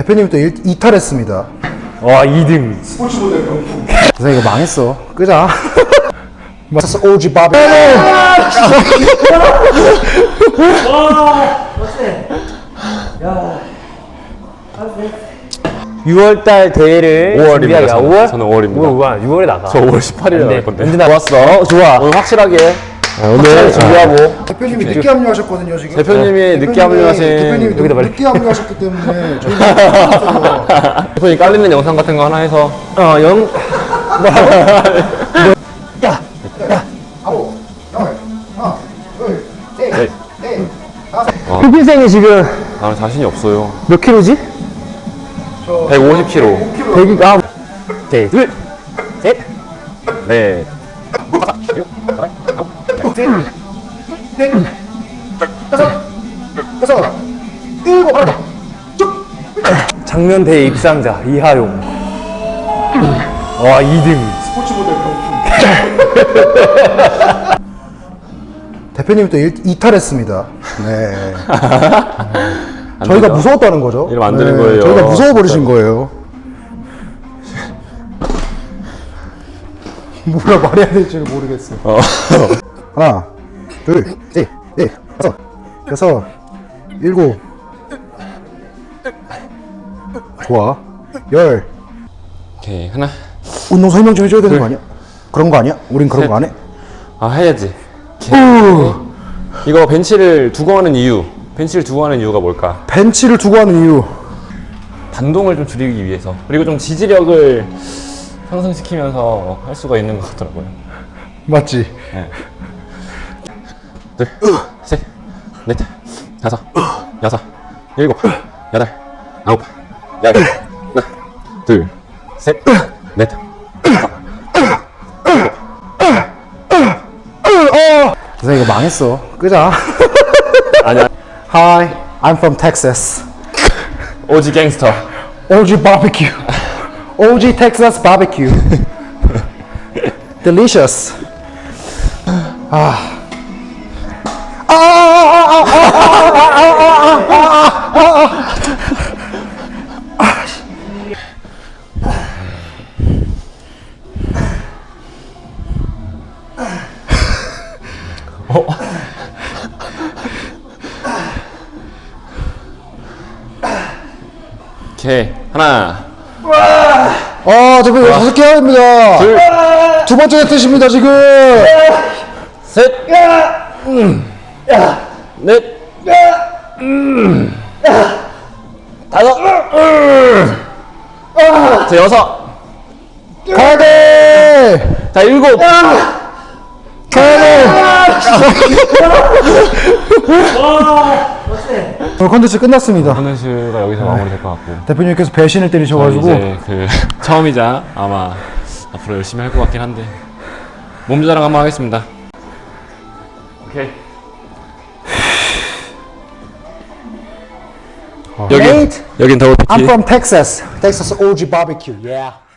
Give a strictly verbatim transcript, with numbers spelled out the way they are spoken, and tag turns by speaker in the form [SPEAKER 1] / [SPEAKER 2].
[SPEAKER 1] 대표님 또 일, 이탈했습니다.
[SPEAKER 2] 와, 이 등.
[SPEAKER 1] 스포츠 모델 명품. 선생 이거 망했어. 끄자. 맞았어. 오지 바비.
[SPEAKER 2] 유월달 대회를
[SPEAKER 3] 오월입니다.
[SPEAKER 2] 준비하기-
[SPEAKER 3] 저는.
[SPEAKER 2] 오월?
[SPEAKER 3] 저는 오월입니다.
[SPEAKER 2] 오월, 유월에 나가.
[SPEAKER 3] 저 오월 십팔일에 나갈 건데.
[SPEAKER 2] 언제 나 좋았어. 좋아.
[SPEAKER 3] 오늘 확실하게
[SPEAKER 2] 오늘 준비하고.
[SPEAKER 1] 대표님이 늦게 합류하셨거든요 지금.
[SPEAKER 3] 대표님이 늦게 합류하신
[SPEAKER 1] 대표님이
[SPEAKER 2] 여기다 말해.
[SPEAKER 1] 늦게 합류하셨기 때문에 저희가
[SPEAKER 3] 대표님 깔리는 영상 같은 거 하나 해서
[SPEAKER 2] 어, 영. 야!
[SPEAKER 1] 아홉, 열, 하나, 둘, 셋,
[SPEAKER 3] 네.
[SPEAKER 1] 넷, 다섯.
[SPEAKER 2] 흑인생이 지금
[SPEAKER 3] 나는 자신이 없어요.
[SPEAKER 2] 몇 킬로지?
[SPEAKER 3] 백오십 킬로그램.
[SPEAKER 2] 백이, 아. 오케이. 둘, 셋,
[SPEAKER 3] 네.
[SPEAKER 1] 넷, 다섯, 여섯, 일곱, 하나, 쭉.
[SPEAKER 2] 작년 대회 입상자, 이하용. 와, 이 등.
[SPEAKER 1] 스포츠 모델 명품. 대표님 또 일, 이탈했습니다. 네. 저희가
[SPEAKER 3] 되죠?
[SPEAKER 1] 무서웠다는 거죠.
[SPEAKER 3] 이러면 안 되는 거예요.
[SPEAKER 1] 저희가 무서워 버리신 거예요. 뭐라 말해야 될지를 모르겠어요.
[SPEAKER 3] 어.
[SPEAKER 1] 하나, 둘, 셋, 넷, 다섯, 여섯, 일곱. 좋아. 열.
[SPEAKER 3] 오케이. 하나.
[SPEAKER 1] 운동 설명 좀 해줘야 되는 거 아니야? 그런 거 아니야? 우린 그런 거 안 해?
[SPEAKER 3] 아, 해야지. 이거 벤치를 두고 하는 이유. 벤치를 두고 하는 이유가 뭘까?
[SPEAKER 1] 벤치를 두고 하는 이유.
[SPEAKER 3] 반동을 좀 줄이기 위해서. 그리고 좀 지지력을 상승시키면서 할 수가 있는 것 같더라고요.
[SPEAKER 1] 맞지?
[SPEAKER 3] 둘, 셋, 넷, 다섯, 여섯, 일곱, 여덟, 아홉, 열. 하나, 둘, 셋, 넷.
[SPEAKER 1] 선생 이거 망했어. 끄자.
[SPEAKER 3] 아니야.
[SPEAKER 1] Hi, I'm from Texas.
[SPEAKER 3] 오지 갱스터.
[SPEAKER 1] 오지 barbecue. 오지 Texas barbecue. Delicious. 아. 아, 아, 아, 아, 아, 아, 아,
[SPEAKER 3] 오케이. 하나,
[SPEAKER 1] 아, 저거 다섯 개 해야 됩니다.
[SPEAKER 3] 둘,
[SPEAKER 1] 두 번째 뜻입니다, 지금.
[SPEAKER 3] 셋, 넷, 다섯, 자, 여섯,
[SPEAKER 1] 가야 돼!
[SPEAKER 3] 자, 일곱,
[SPEAKER 1] 가야 돼! 오늘 컨텐츠 끝났습니다.
[SPEAKER 3] 컨텐츠가 여기서 마무리될 것 같고.
[SPEAKER 1] 대표님께서 배신을 때리셔가지고.
[SPEAKER 3] 이제 그 처음이자 아마 앞으로 열심히 할 것 같긴 한데 몸 조자랑 한번 하겠습니다. 오케이. 여기
[SPEAKER 1] Nate,
[SPEAKER 3] 여긴 더블
[SPEAKER 1] I'm
[SPEAKER 3] 피티.
[SPEAKER 1] from Texas. Texas 오지 barbecue. Yeah.